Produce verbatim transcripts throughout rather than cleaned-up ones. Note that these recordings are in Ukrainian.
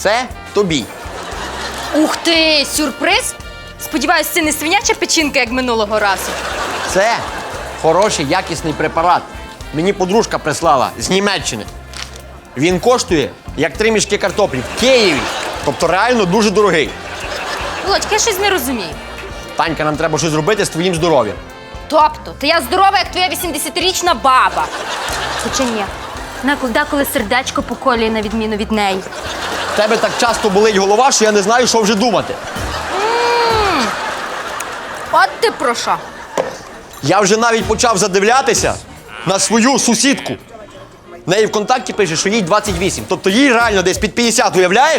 Це тобі. Ух ти, сюрприз? Сподіваюсь, це не свиняча печінка, як минулого разу. Це хороший, якісний препарат. Мені подружка прислала з Німеччини. Він коштує, як три мішки картоплі в Києві. Тобто реально дуже дорогий. Володька, я щось не розумію. Танька, нам треба щось зробити з твоїм здоров'ям. Тобто, та я здорова, як твоя вісімдесятирічна баба. Хоча ні, вона деколи сердечко поколює на відміну від неї. В тебе так часто болить голова, що я не знаю, що вже думати. М, От ти про що? Я вже навіть почав задивлятися на свою сусідку. В неї в контакті пише, що їй двадцять вісім. Тобто їй реально десь під п'ятдесят, уявляєш?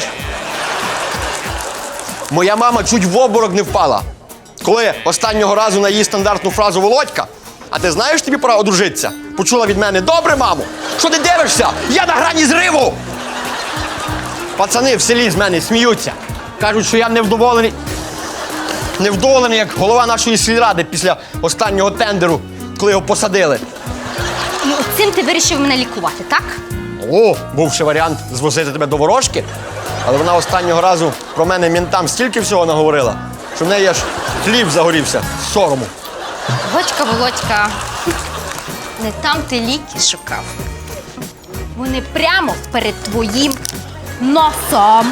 Моя мама чуть в обморок не впала. Коли останнього разу на її стандартну фразу «Володька, а ти знаєш, тобі пора одружитися?» Почула від мене: «Добре, мамо! Що ти дивишся? Я на грані зриву!» Пацани в селі з мене сміються. Кажуть, що я невдоволений. Невдоволений, як голова нашої сільради після останнього тендеру, коли його посадили. І от цим ти вирішив мене лікувати, так? О, був ще варіант звозити тебе до ворожки, але вона останнього разу про мене ментам стільки всього наговорила, що в неї аж хліб загорівся з сорому. Володька, Володька, не там ти ліки шукав. Вони прямо перед твоїм носом.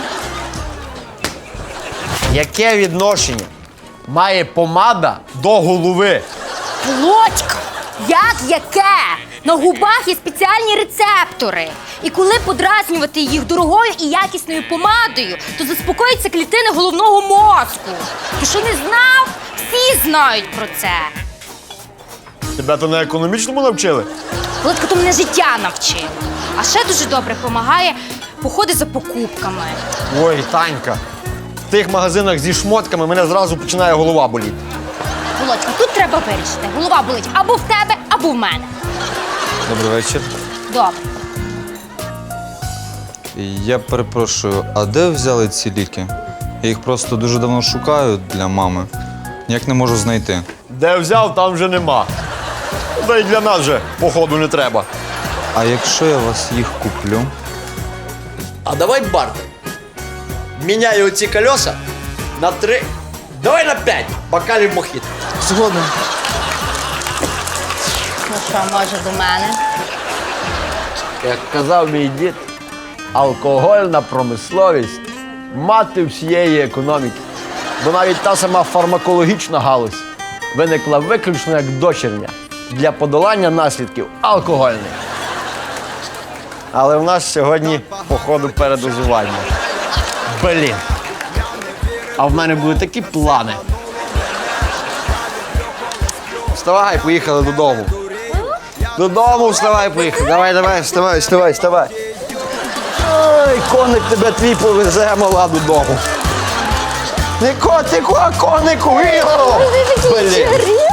Яке відношення має помада до голови? Володька, як яке? На губах є спеціальні рецептори. І коли подразнювати їх дорогою і якісною помадою, то заспокоїться клітини головного мозку. Ти що не знав? Всі знають про це. Тебе то на економічному навчили? Володька, то мене життя навчило. А ще дуже добре допомагає походи за покупками. Ой, Танька, в тих магазинах зі шмотками мене зразу починає голова боліти. Володька, тут треба вирішити. Голова болить або в тебе, або в мене. Добрий вечір. Добре. Я перепрошую, а де взяли ці ліки? Я їх просто дуже давно шукаю для мами. Ніяк не можу знайти. Де взяв, там вже нема. Та й для нас вже, походу, не треба. А якщо я вас їх куплю? А давай бартер. Міняю оці колеса на три, давай на п'ять бокалів мохіт. Згоден. Ну що, може до мене? Як казав мій дід, алкогольна промисловість – мати всієї економіки. Бо навіть та сама фармакологічна галузь виникла виключно як дочірня для подолання наслідків алкогольних. Але в нас сьогодні, походу, передозування. Блін. А в мене були такі плани. Вставай, поїхали додому. Додому вставай, поїхали. Давай, давай, вставай, вставай, вставай. Ой, коник тебе твій повезе, мала, додому. Не котику, а конику, Ігору! Блін.